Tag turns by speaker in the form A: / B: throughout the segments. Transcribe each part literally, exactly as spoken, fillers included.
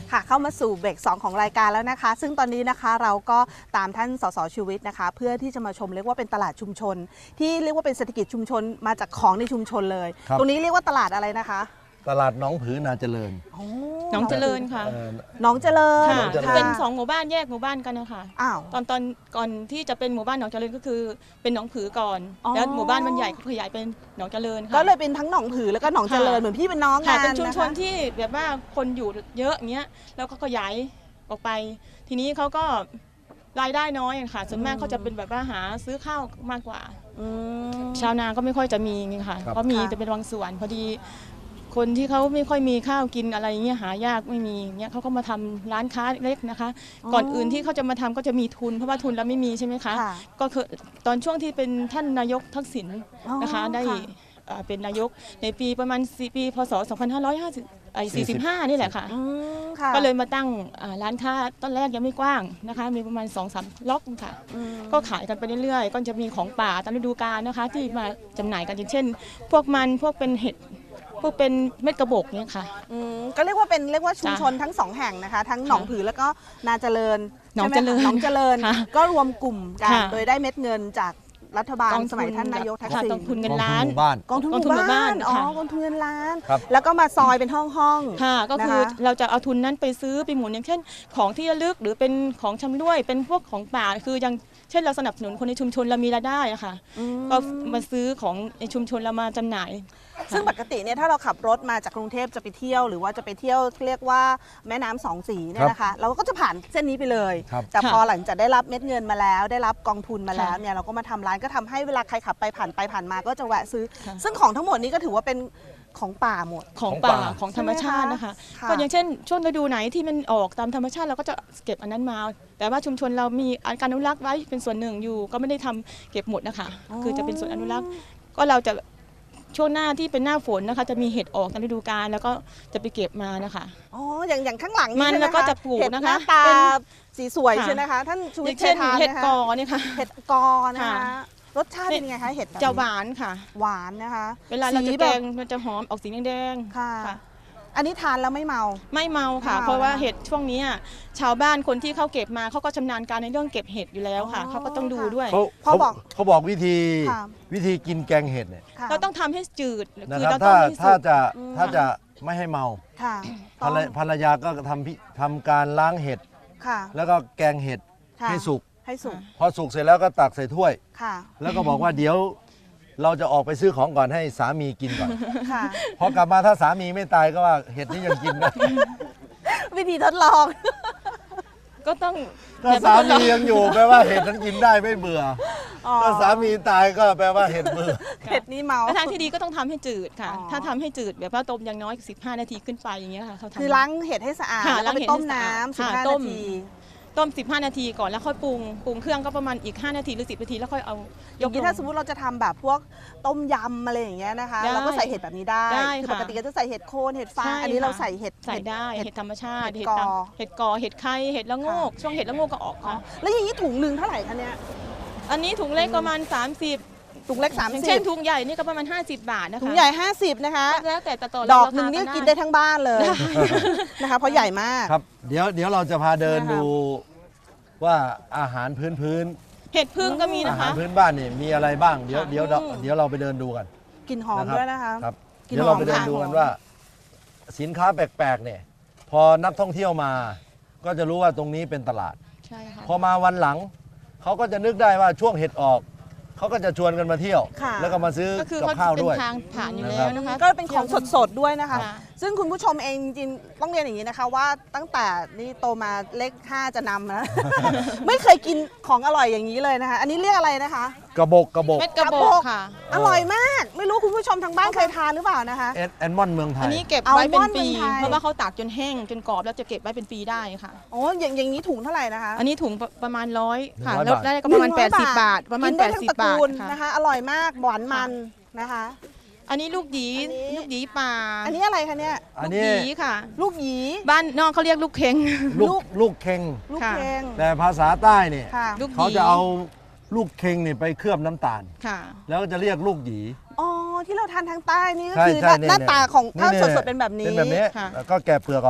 A: ค่ะเข้ามาสู่เบรกสองของรายการแล้วนะคะซึ่งตอนนี้นะคะเราก็ตามท่านสสชีวิตนะคะเพื่อที่จะมาชมเรียกว่าเป็นตลาดชุมชนที่เรียกว่าเป็นเศรษฐกิจชุมชนมาจากของในชุมชนเลยตรงนี้เรียกว่าตลาดอะไรนะคะ
B: ตลาดหนองผือนาเจริญ
C: หนองเจริญค่ะ
A: หนองเจริญ
C: ค่ะเป็นสองหมู่บ้านแยกหมู่บ้านกันนะคะ
A: อ้าว
C: ตอนตอนก่อนที่จะเป็นหมู่บ้านหนองเจริญก็คือเป็นหนองผือก่อนแล้วหมู่บ้านมันใหญ่ขยายเป็นหนองเจริญค่ะ
A: ก็เลยเป็นทั้งหนองผือแล้วก็หนองเจริญเหมือนพี่เป็นน้องกัน
C: เป็นชุมชนที่แบบว่าคนอยู่เยอะเงี้ยแล้วก็ขยายออกไปทีนี้เขาก็รายได้น้อยค่ะส่วนมากเขาจะเป็นแบบว่าหาซื้อข้าวมากกว่าชาวนาก็ไม่ค่อยจะมีไงค่ะเพราะมีแต่เป็นบางส่วนพอดีคนที่เขาไม่ค่อยมีข้าวกินอะไรเงี้ยหายากไม่มีเงี้ยเขาก็มาทำร้านค้าเล็กนะคะก่อนอื่นที่เขาจะมาทำก็จะมีทุนเพราะว่าทุนเราไม่มีใช่ไหมคะก็คือตอนช่วงที่เป็นท่านนายกทักษิณนะคะได้เป็นนายกในปีประมาณปีพศสองพันห้าร้อยสี่สิบห้านี่แหละค่ะก็เลยมาตั้งร้านค้าตอนแรกยังไม่กว้างนะคะมีประมาณ สองสาม ล็อกค่ะก็ขายกันไปเรื่อยๆก็จะมีของป่าตามฤดูกาลนะคะที่มาจำหน่ายกันอย่างเช่นพวกมันพวกเป็นเห็ดพวกเป็นเม็ดกระบอกเนี่ยค่ะ
A: ก็เรียกว่าเป็นเรียกว่าชุมชนทั้งสองแห่งนะคะทั้งหนองผือแล้วก็นาเจริญ
C: หนองเจริญ
A: หนองเจริญก็รวมกลุ่มกันโดยได้เม็ดเงินจากรัฐบาลสมัยท่านนายกทักษิณ
C: กองทุนเงินล้าน
A: กองทุนหมู่บ้านอ๋อกองทุนเงินล้านแล้วก็มาซอยเป็นห้องห้อง
C: ค่ะก็คือเราจะเอาทุนนั้นไปซื้อไปหมุนอย่างเช่นของที่ระลึกหรือเป็นของชำร่วยเป็นพวกของป่าคือยังเช่นเราสนับสนุนคนในชุมชนเรามีรายได้อะค่ะก็มาซื้อของในชุมชนเรามาจำหน่าย
A: ซึ่งปกติเนี่ยถ้าเราขับรถมาจากกรุงเทพจะไปเที่ยวหรือว่าจะไปเที่ยวเรียกว่าแม่น้ำสองสีเนี่ยนะคะเราก็จะผ่านเส้นนี้ไปเลยแต่พอหลังจากได้รับเม็ดเงินมาแล้วได้รับกองทุนมาแล้วเนี่ยเราก็มาทำร้านก็ทำให้เวลาใครขับไปผ่านไปผ่านมาก็จะแวะซื้อซึ่งของทั้งหมดนี้ก็ถือว่าเป็นของป่าหมด
C: ของป่าของธรรมชาตินะคะก็อย่างเช่นช่วงฤดูไหนที่มันออกตามธรรมชาติเราก็จะเก็บอันนั้นมาแต่ว่าชุมชนเรามีการอนุรักษ์ไว้เป็นส่วนหนึ่งอยู่ก็ไม่ได้ทำเก็บหมดนะคะคือจะเป็นส่วนอนุรักษ์ก็เราจะช่วงหน้าที่เป็นหน้าฝนนะคะจะมีเห็ดออกตามฤดูกาลแล้วก็จะไปเก็บมานะคะ
A: อ๋ออย่างอย่างข้างหลัง
C: มันแล้วก็จะปลูกนะคะ
A: ตาสีสวยใช่ไหมคะท่านชูวิทย์เคยทานไหมคะ
C: เห็ดกอเนี่ยค่ะ
A: เห็ดกอนะคะรสชาติเป็นยังไงคะเห็ด
C: จะหวานค่ะ
A: หวานนะคะ
C: เวลาเราจะแกงมันจะหอมออกสีแดง
A: ๆค่ะอันนี้ทานแล้วไม่เมา
C: ไม่เมาค่ะเพราะว่าเห็ดช่วงนี้ชาวบ้านคนที่เขาเก็บมาเขาก็ชำนาญการในเรื่องเก็บเห็ดอยู่แล้วค่ะเขาก็ต้องดูด้วย
B: เขาบอกเขาบอกวิธีวิธีกินแกงเห็ดเนี่ย
C: เราต้องทำให้จืด
B: คือเราต้องถ้าจะถ้าจะไม่ให้เมาภรรยาก็ทำทำการล้างเห็ดแล้วก็แกงเห็ดให้สุก
A: ให้สุก
B: พอสุกเสร็จแล้วก็ตักใส่ถ้วยแล้วก็บอกว่าเดี๋ยวเราจะออกไปซื้อของก่อนให้สามีกินก่อนพอกลับมาถ้าสามีไม่ตายก็ว่าเห็ดนี้ยังกินได้
A: วิธีทดลอง
C: ก็ต้อง
B: ถ้าสามียังอยู่แปลว่าเห็ดนั้นกินได้ไม่เบื่อถ้าสามีตายก็แปลว่าเห็ดเบื่อ
A: เห็ดนี้เมา
C: ทางที่ดีก็ต้องทำให้จืดค่ะถ้าทำให้จืดแบบว่าต้มอย่างน้อยสิบห้านาทีขึ้นไปอย่างเงี้ยค่ะเขาทำ
A: คือล้างเห็ดให้สะอาดแล้วไปต้มน้ำสิบห้านาที
C: ต้มสิบห้านาทีก่อนแล้วค่อยปรุงปรุงเครื่องก็ประมาณอีกห้านาทีหรือสิบนาทีแล้วค่อยเอา
A: ยกถ้าสมมุติเราจะทำแบบพวกต้มยำอะไรอย่างเงี้ยนะคะเราก็ใส่เห็ดแบบนี้ได้คือปกติก็จะใส่เห็ดโคนเห็ดฟางอันนี้เราใส่เห็ด
C: ใส่ได้เห็ดธรรมชาติเห็ดกอเห็ดกอเห็ดไข่เห็ดละโงกช่วงเห็ดละโงกก็ออกค่ะ
A: แล้วอย่างนี้ถุงหนึ่งเท่าไหร่คะเนี่ย
C: อันนี้ถุงเล็กประมาณสามสิบ
A: ถุงเล็กสามสิบ
C: เช่นถุงใหญ่นี่ก็ประมาณห้าสิบบาทนะคะ
A: ถุงใหญ่ห้าสิบนะคะ
C: แล้วแต่ต่อ
A: ดอกหนึ่งนี่กินได้ทั้งบ้านเลยนะคะเพราะใหญ่มาก
B: ครับเดี๋ยวเดี๋ยวเราจะพาเดินดูว่าอาหารพื้นพื้น
C: เห็ดพึ่งก็มีนะคะ
B: อาหารพื้นบ้านนี่มีอะไรบ้างเดี๋ยวเดี๋ยวเดี๋ยวเราไปเดินดูกัน
A: กลิ่นหอมด้วยนะคะ
B: ครับเดี๋ยวเราไปเดินดูกันว่าสินค้าแปลกๆเนี่ยพอนักท่องเที่ยวมาก็จะรู้ว่าตรงนี้เป็นตลาด
C: ใช่ค่ะ
B: พอมาวันหลังเขาก็จะนึกได้ว่าช่วงเห็ดออกเขาก็จะชวนกันมาเที่ยวแล้วก็มาซื้อกับข้าวด้วย
C: ทางผ่านอยู่แล้วนะคะ
A: ก็เป็นของสดๆด้วยนะคะซึ่งคุณผู้ชมเองจริงๆต้องเรียนอย่างนี้นะคะว่าตั้งแต่นี่โตมาเลขห้าจะนำนะไม่เคยกินของอร่อยอย่างนี้เลยนะคะอันนี้เรียกอะไรนะคะ
B: กระบอกกระบอก
C: เม็ดกระบอกค่ะ
A: อร่อยมากไม่รู้คุณผู้ชมทางบ้านเคยทานหรือเปล่านะคะ
B: แอนมอนเมืองไทย
C: อันนี้เก็บไว้เป็นปีเพราะว่าเขาตากจนแห้งจนกรอบแล้วจะเก็บไว้เป็นปีได้ค่ะ
A: โอ้อย่างอย่างนี้ถุงเท่าไหร่นะคะ
C: อันนี้ถุงประมาณร้อยค่ะแล้วได้ก็ประมาณแปดสิบบาทประมาณแปดสิบบาท
A: นะคะอร่อยมากหวานมันนะคะ
C: อันนี้ลูกหยีลูกหยีป่า
A: อันนี้อะไรคะเนี่ย
C: ลูกหยีค่ะ
A: ลูกหยี
C: บ้านนอกเขาเรียกลูกเค็ง
B: ลูกลูกเค็ง
A: ลูกเค็ง
B: แต่ภาษาใต้เนี่ยเขาจะเอาลูกเค็งเนี่ยไปเคลือบน้ำตาลแล้วก็จะเรียกลูกหยี
A: อ๋อที่เราทานทางใต้นี่ก็คือหน้าตาของข้าวสดๆเป็นแบบนี้
B: เป็นแบบนี้ก็แกะเปลือกออก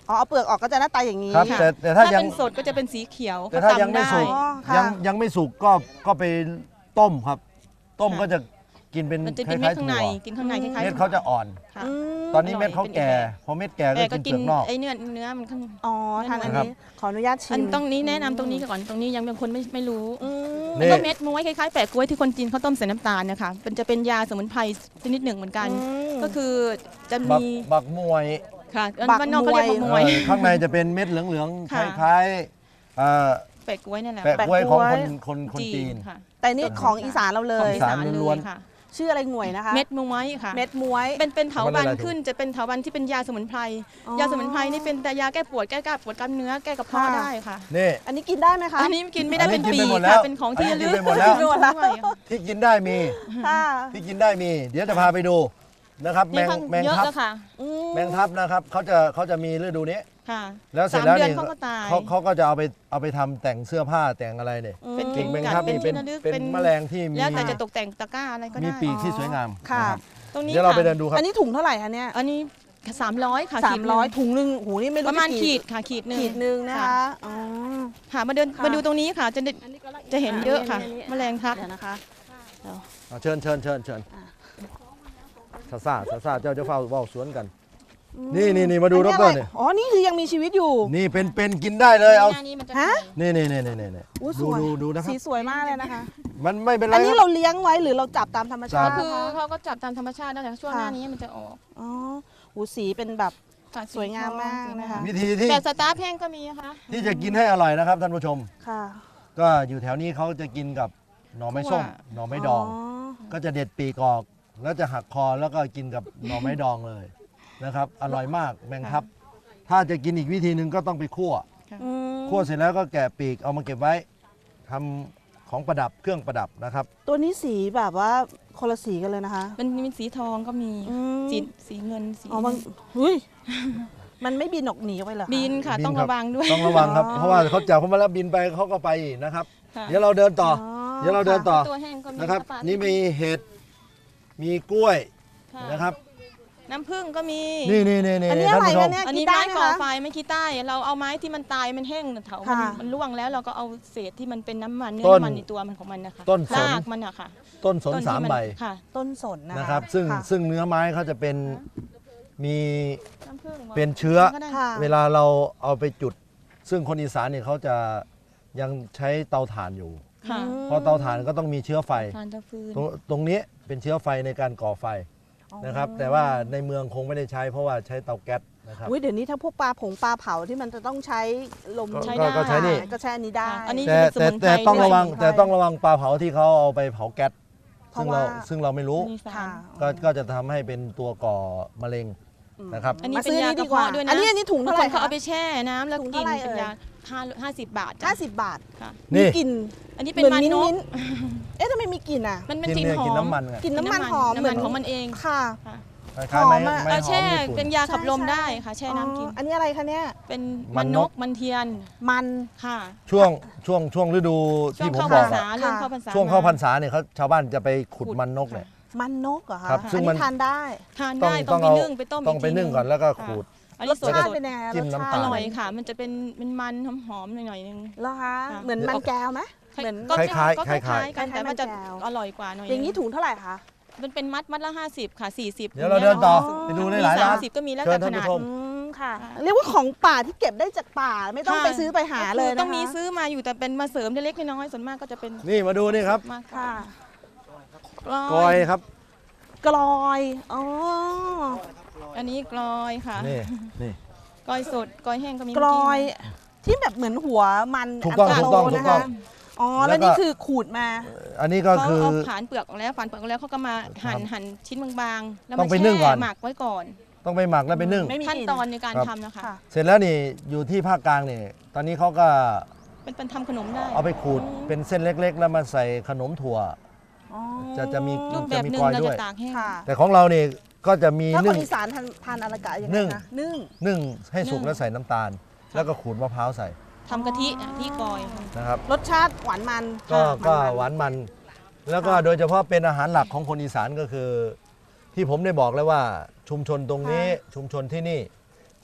A: อ๋อเอาเปลือกออกก็จะหน้าตาอย่างนี้
B: ครับ
C: ค่ะ
B: แต่แต่ถ้า
C: ถ้า
B: ยัง
C: เป็นสดก็จะเป็นสีเขียว
B: แต่ถ้ายัง
C: ตำ
B: ไม่
C: ด้
B: สุก
A: อ๋อค่ะ
B: ยังยังไม่สุกก็ก็ไปต้มครับ ต้ม
C: ค่ะ
B: ก็จะกินเป็น
C: มันจะ
B: ค
C: เป็นเม็
B: ล้า
C: ด
B: ยๆ
C: ข้าง
B: ถั่
C: ใน
B: ว
C: กินข้างในคล้ายๆ
B: เม็ดเขาจะอ่อน
C: ค่ะ
A: อืม
B: ตอนนี้เม็ดเขา
C: เป็น
B: แก่
C: แบบ
B: พอเม็ดแก่ก็
C: แต่ก็
B: กินเป
C: กิ
B: ลื
C: น
B: อกนอก
C: ไอ้เนื้อเนื้อมันข้าง
A: อ๋อทานอัน
B: ครับ
A: นี้ขออนุญาตชิ
C: อัน
A: ม
C: ตรงนี้แนะนำตรงนี้ก่อนตรงนี้ยังเป็นคนไม่ไม่รู้
A: อืม
B: นี่
C: แล้วก็เม็ดม้วยคล้ายๆแปะกล้วยที่คนจีนเขาต้มใส่น้ำตาลนะคะมันจะเป็นยาสมุนไพรชนิดหนึ่งเหมือนกัน
A: อืม
C: ก็คือจะ
B: บัก
C: มี
B: บักมวย
C: ค่ะ
A: บัก
C: บ้านนอกเขาเรียก
A: มวย
C: บักม
B: เอ่
C: วย
B: อข้างในจะเป็นเม็ดเหลืองๆค
C: ค่ะ
B: ล้ายๆเอ่อ
C: แปะกล้วยนั่นแหละ
B: แปะ
C: ค่ะ
B: กล้วยของ
A: แปะ
B: ค
A: กล้
B: น
A: วย
B: คนคนจีน
C: ค่ะ
A: แต่นี่ของอีสานเราเล
C: ของ
A: ย
C: อีสาน
B: อีสาน
C: เล
B: ล้วย น
C: ค่ะ
A: ชื่ออะไรหน่วยนะคะ
C: เม็ดม้วยค่ะ
A: เม็ดม้วย
C: เป็นเป็นเถา
B: มัน
C: วั
B: อะไร
C: ลย์
B: ถูก
C: ขึ้นจะเป็นเถาวัลย์ที่เป็นยาสมุนไพร
A: อ๋อ
C: ยาสมุนไพรนี่เป็นแต่ยาแก้ปวดแก้กล้าปวดกล้ามเนื้อแก้กระเพาะ
A: ค่ะ
C: ได้ค่ะ
B: นี่
A: อันนี้กินได้ไหมคะ
C: อันนี้กินไม่ได้
B: อันนี้
C: เป็น
B: กิน
C: ปี
B: ไปหมดแล้
C: ค่ะ
B: ว
C: เป็นของที่
B: อันนี้
C: ระลึก
B: กินไปหมดแล้ว
C: ด้วยค่ะ
B: ที่กินได้มี
A: ค่ะ
B: ที่กินได้มี เดี๋ยวจะพาไปดูนะครับ แม
C: นี่
B: ง
C: ข้าง
B: แมง
C: เยอะ
B: ทับ
C: แล้วค่ะ
A: อืม
B: แมงทับนะครับเขาจะเขาจะมีฤดูนี้
C: ค่ะ
B: แล้วเสร็จ
C: สาม
B: แล้ว
C: เดือน
B: นี่
C: เขาก็ตาย
B: เขาเขาก็จะเอาไปเอาไปทำแต่งเสื้อผ้าแต่งอะไรเนี่ย
C: เป็น
B: กิ่งแมง
C: กัด
B: ทับ
C: เป็น
B: นี่เป็น
C: ที่ระลึก
B: เป็น
C: เป็น
B: แมลงที่มี
C: แล้วแต่จะตกแต่งตะกร้าอะไรก็
B: มี
C: ได้
B: ปีกที่สวยงาม
A: ค่ะ
B: นะครับ
C: ตรงนี้
B: เดี๋ยวเราไป
C: ค่ะ
B: เดินดูครับ
A: อันนี้ถุงเท่าไหร่คะเนี่ย
C: อันนี้สามร้อยค่ะ
A: สามร้อย
C: ขีดหนึ่ง
A: ถุงหนึ่งหูนี่ไม่
C: ป
A: รู้
C: ระมาณ
A: จ
C: ขีดค่ะขีดหนึ่ง
A: ขีดหนึ่งนะคะอ๋อ
C: ค่ะมาเดิน
A: ค่ะ
C: มาดูตรงนี้ค่ะจะได้จะเห็นเยอะค่ะ แมลงทับ
A: เดี๋ยวนะคะ
B: อ่ะเชิญเชิญเชิญเชิญซาซาซาซาเจ้าจะเฝ้าเฝ้าสวนกัน นี่นี่นี่มาดูด
A: อัน
B: ร
A: นี้อะไร
B: เนี่ย
A: อ๋อ นี่คือยังมีชีวิตอยู่
B: นี่เป็นเป็นกินได้เลยเอา
C: หน้านี้มันจะ
A: ฮะ
B: นี่นี่นี่นี่นี่นี่
A: อู้ส
B: ดู
A: วย
B: ดูดูนะครับ
A: สีสวยมากเลยนะคะ
B: มันไม่เป็นไร
A: อันนี้
B: ค
A: เรา
B: รับ
A: เลี้ยงไว้หรือเราจับตามธรรมชาติ
B: จับ
C: คือ
A: คะ
C: เขาก็จับตามธรรมชาตินั่นแหละช่วง
A: ค่ะ
C: หน้านี้มันจะออก
A: อ๋อหูสีเป็นแบบ
C: ค่ะ
A: สวยงามมาก
C: สวย
A: นะคะ
B: วิธีที่
C: แบบสตาร์ฟแห้งก็มีนะคะ
B: ที่จะกินให้อร่อยนะครับท่านผู้ชม
A: ค่ะ
B: ก็อยู่แถวนี้เขาจะกินกับหน่อไม้ส้มหน่อไม้ดอง ก็จะเด็ดปีกออก แล้วจะหักคอแล้วก็กินกับหน่อไม้ดองเลยนะครับ อร่อยมากแมงทับ ถ้าจะกินอีกวิธีหนึ่งก็ต้องไปคั่ว
A: อืม
B: คั่วเสร็จแล้วก็แกะปีกเอามาเก็บไว้ทำของประดับเครื่องประดับนะครับ
A: ตัวนี้สีแบบว่าคนละสีกันเลยนะคะ
C: มันมีสีทองก็มี
A: อืม
C: สีสีเงินสี
A: อ๋อมันเฮ้ย มันไม่บินออกหนีไปเหรอคะ
C: บินค่ะ
B: บิน
C: ต้อง
B: ครับ
C: ระวังด้วย
B: ต้องระวังครับ
A: อ๋อ
B: เพราะว่าเขาจับเขามาแล้วบินไปเขาก็ไปอีกนะครับ
C: ค่ะ
B: เดี๋ยวเราเดินต่อ เดี๋ยวเราเดินต่อ
C: ตัวแห้งก็มี
B: นะครับ
C: ปลา
B: นี่มีเห็ด มีกล้วย
C: ค่ะ
B: นะครับ
C: น้ำผึ้งก็มี
B: นี่นี่นี่นี่
A: อันนี้
B: ท่าน
A: อะไร
B: ผู้ช
A: คะ
B: ม
A: เนี่ย
C: อัน
A: กิ
C: นี้
A: นได้
C: ไม้
A: ไหม
C: ก่อ
A: คะ
C: ไฟไม่ขี้ใต้ เราเอาไม้ที่มันตายมันแห้งเถามัน
A: ค่ะ
C: มันร่วงแล้วเราก็เอาเศษที่มันเป็นน้ำมันเนื้อ
B: ต้น
C: น้ำมันในตัวมันของมันนะคะ
B: ต้นสน
C: รากมันอะค่ะ
B: ต้นสน
C: ต้ที่
B: สาม
C: น
B: ใบ
C: ค่ะ
A: ต้นสนนะคะ
B: นะครับ ซึ่ง
A: ค่ะ
B: ซึ่งเนื้อไม้เขาจะเป็นมี
C: น้ำผึ้ง
B: เป็นเชื้อ
C: ก็ได้
A: ค่ะ
B: เวลาเราเอาไปจุด ซึ่งคนอีสานเนี่ยเขาจะยังใช้เตาถ่านอยู่
C: ค่ะ
B: เพราะเตาถ่านก็ต้องมีเชื้อไฟ
C: ทานตะฟืน
B: ตรงตรงนี้เป็นเชื้อไฟในการก่อไฟนะครับ แต่ว่าในเมืองคงไม่ได้ใช้เพราะว่าใช้เตาแก๊สนะครับ
A: อุ้ยเดี๋ยวนี้ถ้าพวกปลาผงปลาเผาที่มันจะต้องใช้ลม
B: ก็
C: ใช้
B: ก็
C: ได้
B: ก็ใช้นี่
A: ก็ใช้อันนี้ได้
C: อันนี้
B: แต่
C: จะเป็นส
B: แต่
C: มุนไพร
B: แต่ต้อง
C: ด้วย
B: ระวัง
A: สมุนไพร
B: แต่ต้องระวังปลาเผาที่เขาเอาไปเผาแก๊ส
A: เพ
B: ซึ่
A: ราะ
B: งเรา
A: ว่า
B: ซึ่งเราไม่รู้
C: มีสาร
A: ค่ะ
B: ก็ก็จะทำให้เป็นตัวก่อมะเร็งนะครับ
C: อันนี้
A: มา
C: เป็น
A: ซื้อย
C: า
A: นี่
C: ก
A: ดี
C: ระ
A: กว่า
C: เพาะด้วยนะ
A: อันนี้อันนี้ถุง
C: บาง
A: เท่าไห
C: ค
A: ร่
C: นเขา
A: คะ
C: เอาไปแช่น้ำแล้ว
A: ถุง
C: กิน
A: เท่าไหร่
C: เป็น
A: เอ่ย
C: ยาห้าห้าสิบบาทจ้ะ
A: ห้าสิบบาท
C: ค่ะ
B: นี่
A: มีกลิ่น
C: อันนี้
A: เห
C: เป็น
A: มือน
C: มัน
A: มิ้น
C: น
A: มิ้
C: ก
A: นเอ๊ะทำไมมีกลิ่นอ่ะ
C: มันเป็น
B: กิน
C: กลิ่น
B: เนี่ย
C: หอ
B: กิน
C: ม
B: น้ำมันไง
A: กลิ่นน้ำมันหอม
C: น้ำ
A: เหมื
C: มั
A: อน น
C: ของมันเอง
A: ค่ะ
C: ค่ะ
B: คล้ายๆไม้
A: หอมอะ
B: ไม้
C: เรา
B: หอ
C: แช่
B: มญี่ปุ่
C: เป็น นยาขับลม
A: ใช่
C: ได้ค่ะ แช่น้ำกิน
A: อ๋ออันนี้อะไรคะเนี่ย
C: เป็น
B: มั
C: มัน น
B: น
C: น
B: ก
C: กมันเทียน
A: มัน
C: ค่ะ
B: ช่วงช่วงช่วงฤดู
C: ช่ว
B: ที่
C: ง
B: ผม
C: เข้า
B: บ
C: พร
B: อ
C: ร
B: ก
C: ษา
B: อะ
C: เริ่มเข้าพรรษา
B: ช่วงเข้าพรร
C: ม
B: ษาเนี่ยเขาชาวบ้านจะไปขุด
C: ขุด
B: มันนกเนี่ย
A: มันนกเหรอคะ
B: ครับ
A: อั
B: ซึ่ง
A: น
B: มั
A: นี้
B: น
A: ทานได้
C: ทาน
B: ต้อง
C: ได้
B: ต้
C: ต้
B: อ
C: อง งไป
B: เอา
C: นึ่งไปต้ม
B: ต้องไป
C: กที
B: นึ่งก่อนแล้วก็ขูด
C: อัน
A: ร
C: นี้
A: ส
C: ส
A: ชาติ
C: ด
A: เป็นยังไง
B: จิ้ม
A: รสชา
B: น้ำตา
C: ๆอ
B: ล
C: ร่อยค่ะ มันจะเป็นเป็นมันหอมๆหน่อยๆนึง
A: เหรอคะ
C: ค่ะ
A: เหมือนมันแก้วไหม เหมือน
C: ก็
B: คล้ายๆ
C: ก็
B: คล้ายๆ
C: กันแต่ว่าจะ
A: คล้ายๆมันแก้ว
C: อร่อยกว่าหน่อย
A: อย่างนี้ถุงเท่าไหร่คะ
C: มันเป็นมัดมัดละห้าสิบค่ะสี่สิบ
B: เดี๋ยวเราเดินต่อ
A: อ๋อ
B: ไปดูได้หลายร้าน
C: สิบก็มีแล้ว
B: เชิ
C: แต่
B: ญ
C: ข
B: ท่าน
C: นาด
B: ผู้ชม
A: อืมค่ะ
C: ค่ะ
A: เรียกว่าของป่าที่เก็บได้จากป่าไม่ต้อง
C: ค่ะ
A: ไปซื้อไปหาเลยนะคะ
C: ต้องมีซื้อมาอยู่แต่เป็นมาเสริมเล็กๆน้อยๆส่วนมากก็จะเป็น
B: นี่มาดูนี่ครับ
C: มาก
A: ค่ะ
B: กอยครับ
A: กลอยอ๋อ
C: อันนี้กลอยค่ะ
B: นี่นี่
C: กลอยสดกลอยแห้งก็มี
A: กลอยที่แบบเหมือนหัวมัน
B: ถูกต้อง
A: น
B: ถูกต้อง
A: โ
B: ถูกต้อง
A: นะคะอ๋อ
B: แล้
A: แล้ว
B: วก็
A: นี่คือขูดมา
B: อันนี้ก็
C: เขา
B: คือ
C: เอาผ่านเปลือกออกแล้วผ่านเปลือกออกแล้วเขาก็มาหั่นหั่นชิ้นบางๆแล้ว
B: ต้
C: มา
B: องไป
C: แช่
B: นึ่งก่อน
C: หมักไว้ก่อน
B: ต้องไปหมักแล้วไปนึ่ง
A: ไม่มี
C: ขั้น
A: กลิ่
C: ตอนในการ
B: ครับ
C: ทำนะคะ
A: ค่ะ
B: เสร็จแล้วนี่อยู่ที่ภาคกลางนี่ตอนนี้เขาก็
C: เป็นเป็นทำขนมได้
B: เอาไปขูดเป็นเส้นเล็ก ๆ แล้วมาใส่ขนมถั่ว
A: อ๋อ
B: จะจะมี
C: รูปแบ
B: จะ
C: บ
B: มี
C: หนึ่
B: ก
C: ง
B: อย
C: เรา
B: ด้ว
C: จะ
B: ย
C: ตากแห้ง
A: ค่ะ
B: แต่ของเรานี่ก็จะมี
A: ถ้าค
B: นึ่
A: น
B: ง
A: อีสานทานทานอะไรกะยังไง
B: นึ่ง
A: นะนึ่ง
B: นึ่งให้สุก
C: นึ่ง
B: แล้วใส่น้ำตาล แล้วก็ขูดมะพร้าวใส่
C: ทำกะทิอ่ะที่กอย
B: นะครับ
A: รสชาติหวานมัน
B: ก็
A: ค่ะ
B: ก็
A: มันๆ
B: หวานมัน แล้วก็
A: ค่ะ
B: โดยเฉพาะเป็นอาหารหลักของคนอีสานก็คือ ที่ผมได้บอกแล้วว่าชุมชนตรงนี้ชุมชนที่นี่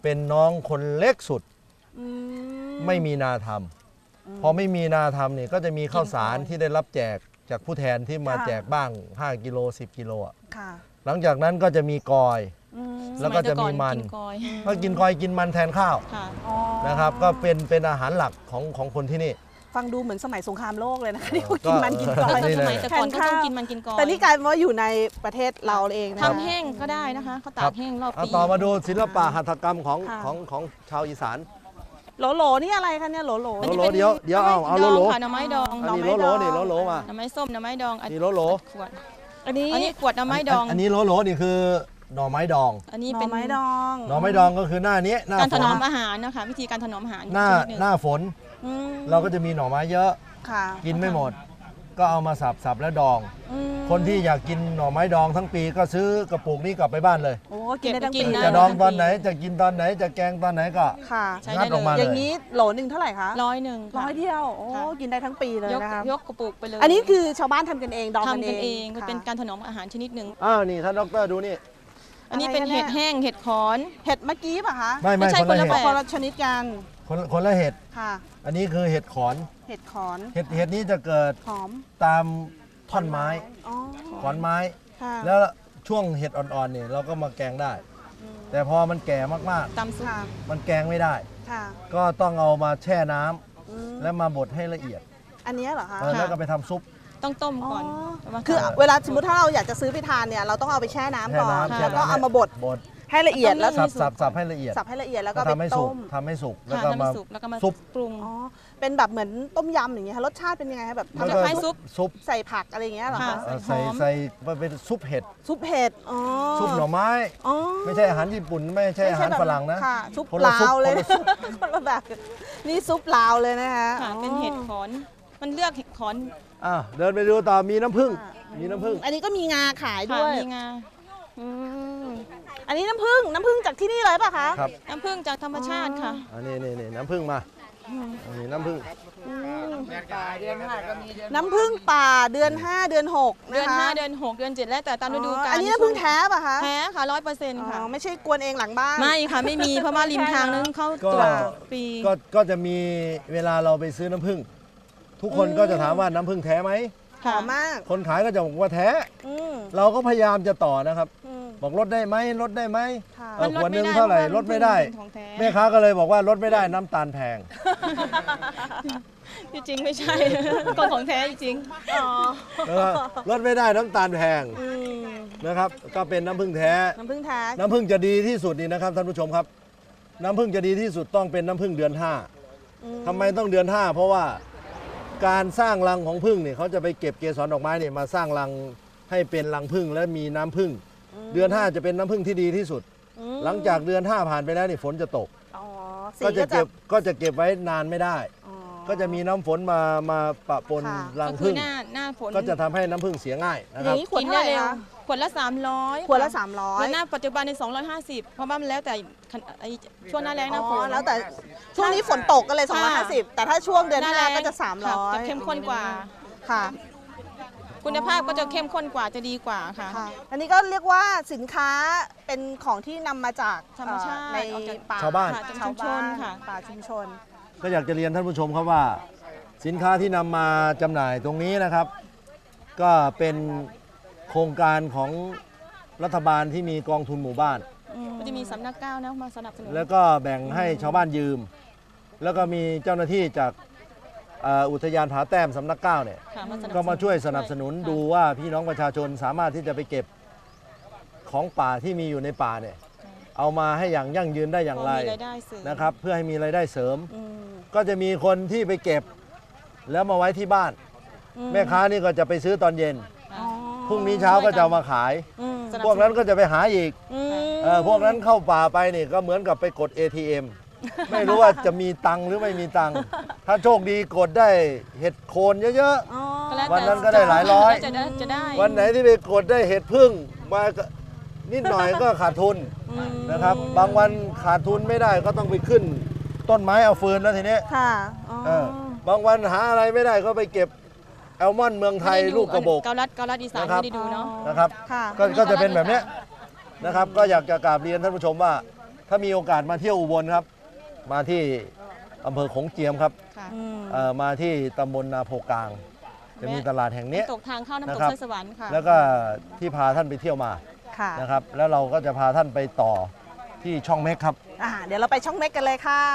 B: เป็นน้องคนเล็กสุด
A: อืม
B: ไม่มีนาทำพอไม่มีนาทำเนี่ยก็จะมีข้าวสารที่ได้รับแจกจากผู้แทนที่มาแจกบ้างห้ากิโลสิบกิโลอ่ะ
A: ค่ะ
B: หลังจากนั้นก็จะมีกอย
A: อืม
B: แล้วก็จะมีมัน
C: สยแต่ก่อกินกอย
B: ก็กินกอยกินมันแทนข้าว
C: ค่ะ
A: อ๋อ
B: นะครับ ก็เป็นเป็นอาหารหลักของของคนที่นี่
A: ฟังดูเหมือนสมัยสงครามโลกเลยนะคะ
B: เออ
A: ที่เขากินมันกินกอย
B: นี่
C: ส
B: เลย
C: มัยแต่ก่อนก็ต้องกินมันกินกอย
A: แต่นี่กลายเป็นว่าอยู่ในประเทศเราเองนะ
C: ทำแห้งก็ได้นะคะเขาตากแห้งรอบ
B: เอา
C: ปี
B: ต่อมาดูศิลปะหัตถกรรมของ
A: ค่ะ
B: ของของชาวอีสาน
A: โหลโหลนี่อะไรคะเนี่ยโหลโหล
B: โหลโหลเดี๋ยวเดี๋ยวเอาเอาโหลโหล
C: ค่ะหน่อไม้ดอง
B: อันนี้
A: หน่
B: โหล
A: อไม้
B: โหล
A: ดอง
B: นี่โหลโหลมา
C: หน่อไม้ส้มหน่อไม้ดองอัน
B: นี่โหลโหล
C: ขวด
A: อันนี้
C: อันนี้ขวดหน่อไม้ดอง
B: อันนี้โหลโหลนี่คือหน่อไม้ดอง
C: อันนี้
A: หน่
C: เป็
A: อน ไม้ดอง
B: หน่อไม้ดองก็คือหน้านี้หน้า
C: การ
B: ฝ
C: ถ
B: น
C: นอมอาหารนะคะวิธีการถนอมอาหาร
B: หน้า
C: ชดง
B: หน้าฝน
A: อืม
B: เราก็จะมีหน่อไม้เยอะ
A: ค่ะ
B: กินไม่หมด ก็เอามาสับสับแล้วดอง
A: อืม
B: คนที่อยากกินหน่อไม้ดองทั้งปีก็ซื้อกระปุกนี้กลับไปบ้านเลย
A: โอ้กินได้ทั้งปี
B: จะดองตอนไหนจะกินตอนไหนจะแกงตอนไหนก็
A: ค่ะ
C: ใช้
B: งั
C: ได้
B: ด
C: เล
B: ออกมา
C: ย
A: อย่างนี้โหลหนึ่งเท่าไหร่คะ
C: ร้อยหนึ่ง
A: ร้
C: ค่ะ
A: อยเดียวโอ้
C: ค่ะ
A: กินได้ทั้งปีเลย
C: ยก
A: นะคะ
C: ยกกระปุกไปเลย
A: อันนี้คือชาวบ้านทำกันเองดอง
C: ทำ
A: กัน
C: กัน
A: เอ
C: เอง งมัน
A: ค่ะ
C: เป็นการถนอมอาหารชนิดหนึ่ง
B: อ้าวนี่ท่านดรดูนี่
C: อันนี้เป็น
A: อะไรกันเนี่ย
C: เห็ดแห้งเห็ดขอน
A: เห็ดเมื่อกี้ป่ะคะ
B: ไม่ไม่
C: ไม่ใช่
B: คนละ
C: คนละ
B: เห็ด
C: แบบ
A: คนละชนิดกัน
B: คนคนละเห็ด
A: ค่ะ
B: อันนี้คือเห็ดขอน
A: เห็ดขอน
B: เห็ดเห็ดนี้จะเกิด
A: หอม
B: ตามท่อนไม้
A: อ๋อ
B: ขอนไม้
A: ค่ะ
B: แล้วช่วงเห็ดอ่อนๆเนี่ยเราก็มาแกงได้ แต่พอมันแก่มาก
C: ตำซุป
A: ค่ะ
B: ๆ มันแกงไม่ได้
A: ค่ะ
B: ก็ต้องเอามาแช่น้ำ
A: อืม
B: แล้วมาบดให้ละเอียด
A: อันเนี้ยเหรอคะ
B: เออแล้วก็ไปทำซุป
C: ต้องต้ม
A: อ๋อ
C: ก่อนประมาณ
A: คือเวลาสมมติถ้าเราอยากจะซื้อไปทานเนี่ยเราต้องเอาไปแช่น้ำ
B: แช่
A: ก่อน
B: น้ำแช่
A: แล้วก็
B: น้ำ
A: เอามาบด
B: บด
A: ให้ละเอียดแล้ว
B: สับสับสับให้ละเอียด
A: สับให้ละเอียดแล้วก็
B: แล้ว
A: ไป
B: ทำให้สุ
A: ต้
B: ก
A: ม
B: ทำให้สุกแล้ว
C: ค่ะ
B: ก็
C: ทำ
B: มา
C: ให้สุกแล้วก็มา
B: ซุป
C: ปรุง
A: อ๋อเป็นแบบเหมือนต้มยำอย่างเงี้ยค่ะรสชาติเป็นยังไงคะแบบ
B: แล้ว
C: จะ
B: ก็
C: คล้ายซุป
B: ซุป
A: ใส่ผักอะไรอย่างเงี้ยเหรอ
C: ค่ะ
A: คะ
B: เอ่อ
C: ใส่
B: ใส่
C: หอม
B: ใส่มันเป็นซุปเห็ด
A: ซุปเห็ดอ๋อ
B: ซุปหน่อไม้
A: อ๋อ
B: ไม่ใช่อาหารญี่ปุ่นไม่ใช่อาหาร
A: แบบ
B: ฝรั่งนะ
A: ค่ะซุป
B: คนละ
A: ลา
B: ซุป
A: วเลย
B: คนละซุป
A: คนละแบบนี่ซุปลาวเลยนะคะ
C: ค่ะ
A: อ๋อ
C: เป็นเห็ดขอน มันเลือกเห็ดขอน
B: อ่ะเดินไปดูต่อมีน้ำผึ้ง
A: ค่ะ
B: มีน้ำผึ้ง
A: อันนี้ก็มีงาขาย
C: ค่ะ
A: ด้วย
C: มีงา
A: อืมอันนี้น้ำผึ้งน้ำผึ้งจากที่นี่เลยป่ะคะ
B: ครับ
C: น้ำผึ้งจากธรรมชาติค่ะ
B: อันนี้นี่นี่น้ำผึ้งมาอันนี้น้ำผึ้ง
A: น้ำผึ้งป่าเดือนห้าเดือนหก
C: เดือน
A: นะคะ
C: ห้าเดือนหกเดือนเจ็ดแล้วแต่ตามฤดูกาล
A: อันนี้น้ำผึ้งแท้ป่ะคะ
C: แท้ค่ะร้อยเปอร์เซ็นต์
A: อ๋
C: ค่ะ
A: อไม่ใช่กวนเองหลังบ้าน
C: ไม่ค่ะไม่มีเพราะว่าริมทางนั้นเขาตรวจฟรี
B: ก็ก็จะมีเวลาเราไปซื้อน้ำผึ้งทุกคนก็จะถามว่าน้ำผึ้งแท้ไหม
A: หอมมาก
B: คนขายก็จะบอกว่าแท้
A: อืม
B: เราก็พยายามจะต่อนะครับ
A: อืม
B: บอกลดได้ไหมลดได้ไหม
A: ค่ะ
B: เออขวดหนึงเท่าไหร่ลดไม่ได้
C: ของแท้
B: แม่ค้าก็เลยบอกว่าลดไม่ได้น้ำตาลแพง
C: ที่จริงไม่ใช่ ของของแท้จริง
A: อ๋อ
B: นะครับลดไม่ได้น้ำตาลแพง
A: อืม
B: นะครับ ก็เป็นน้ำผึ้งแท้
A: น้ำผึ้งแท้
B: น้ำผึ้งจะดีที่สุดนี่นะครับท่านผู้ชมครับ น้ำผึ้งจะดีที่สุดต้องเป็นน้ำผึ้งเดือนห้า
A: อืม
B: ทำไมต้องเดือนห้าเพราะว่าการสร้างรังของผึ้งเนี่ยเขาจะไปเก็บเกสรดอกไม้เนี่ยมาสร้างรังให้เป็นรังผึ้งและมีน้ำผึ้งเดือนห้าจะเป็นน้ำผึ้งที่ดีที่สุด
A: อืม
B: หลังจากเดือนห้าผ่านไปแล้วนี่ฝนจะตก
A: อ๋อสี
B: ก็จะเก็บก็จะเก็บไว้นานไม่ได้
A: อ๋อ
B: ก็จะมีน้ำฝนมามาปะปน
A: ค่ะ
B: รั
C: ก็
B: ง
C: คื
B: ผึ้
C: อง หน้าหน้าฝน
B: ก็จะทำให้น้ำผึ้งเสียง่ายนะ
A: อ
B: ครั
A: ย่า
B: บ
A: งนี้ขวดเท่าไหร่คะ
C: ขวดละสามร้อย
A: ขวดละสามร้อย
C: แล้วหน้าปัจจุบันในสองร้อยห้าสิบเพราะว่ามันแล้วแต่ไอ้ช่วงหน้าแรงหน้าฝ
A: อ๋อน แล้วแต่ช่วงนี้ฝนตกก็เลยสองร้อยห้าสิบแต่ถ้าช่วงเดือน
C: หน้า
A: ห้า
C: แรง
A: ก็จะสามร้อย
C: จะเข้มข้นกว่า
A: ค่ะ
C: คุณภาพก็จะเข้มข้นกว่าจะดีกว่าค่ะ
A: ค่ะ อันนี้ก็เรียกว่าสินค้าเป็นของที่นำมาจาก
C: ธรรมชาติ
A: เอ่อใน
C: ออกจาก
A: ป่า
B: ชาวบ้าน
C: ค่ะจาก
A: ชาว
C: ชุมช
A: บ้าน น
C: ค่ะ
A: ป่าชุมชน
B: ก็อยากจะเรียนท่านผู้ชมครับว่า สินค้าที่นำมาจำหน่ายตรงนี้นะครับ ก็เป็นโครงการของรัฐบาลที่มีกองทุนหมู่บ้าน
C: ก็จะมีสำนักก้าวนะมาสนับสนุน
B: แล้วก็แบ่งให้ชาวบ้านยืม แล้วก็มีเจ้าหน้าที่จากเอ่ออุทยานผาแต้มสำนักเก้าเนี่ย
C: ค่ะสนับสนุน
B: ก็มาช่วยสนับสนุน
C: ค่ะ
B: ดูว่าพี่น้องประชาชนสามารถที่จะไปเก็บของป่าที่มีอยู่ในป่าเนี่ยเอามาให้อย่างยั่งยืนได้อย่างไร
C: พมีรายได้เสริม
B: นะครับ เพื่อให้มีรายได้เสริม
A: อืม
B: ก็จะมีคนที่ไปเก็บแล้วมาไว้ที่บ้าน
A: อื
B: แม่ค้านี่ก็จะไปซื้อตอนเย็น
C: ค่ะ
A: อ๋อ
B: พรุ่งนี้เช้าก็จะเอามาขาย
A: อืม
C: สนับสนุ
B: พวกนั้นก็จะไปหาอีก
A: อืม
B: เออพวกนั้นเข้าป่าไปนี่ก็เหมือนกับไปกด เอ ที เอ็ม ไม่รู้ว่าจะมีตังค์หรือไม่มีตังค์ถ้าโชคดีกดได้เห็ดโคนเยอะ
A: อ๋อ
C: ก็แล้วแต่
B: วันนั้นก็ได้หลายร้อย
C: จะได้จะได้
B: ๆ วันไหนที่ไปกดได้เห็ดพึ่งมาก็นิดหน่อยก็ขาดทุน
A: อืม
B: นะครับ บางวันขาดทุนไม่ได้ก็ต้องไปขึ้นต้นไม้เอาฟืนแล้วทีนี้
A: ค่ะอ๋อ
B: เออบางวันหาอะไรไม่ได้ก็ไปเก็บแอลมอนด์เมืองไทย
C: ม่ด้ดู
B: ลูกกระบอก
C: เกาลัดเกาลัดอีสาน
B: นะครับ
C: ไม่ได้ดูเนาะ
B: นะครับ
A: ค่ะ
B: ก็ก็จะเป็นแบบเนี้ยนะครับ ก็อยากจะกราบเรียนท่านผู้ชมว่าถ้ามีโอกาสมาเที่ยวอุบลครับ มาที่อำเภอโขงเจียมครับ
C: ค่ะ
A: อืม
B: เอ่อมาที่ตำบลนาโพกลาง จะมีตลาดแห่งนี้
C: น้ำตกทางเข้าน้ำต
B: นะ
C: ก
B: ครับ
C: สร้อยสวรรค์ค่ะ
B: แล้วก็ที่พาท่านไปเที่ยวมา
A: ค่ะ
B: นะครับ แล้วเราก็จะพาท่านไปต่อที่ช่องเม็กครับ
A: อ่าเดี๋ยวเราไปช่องเม็กกันเลยค่ะ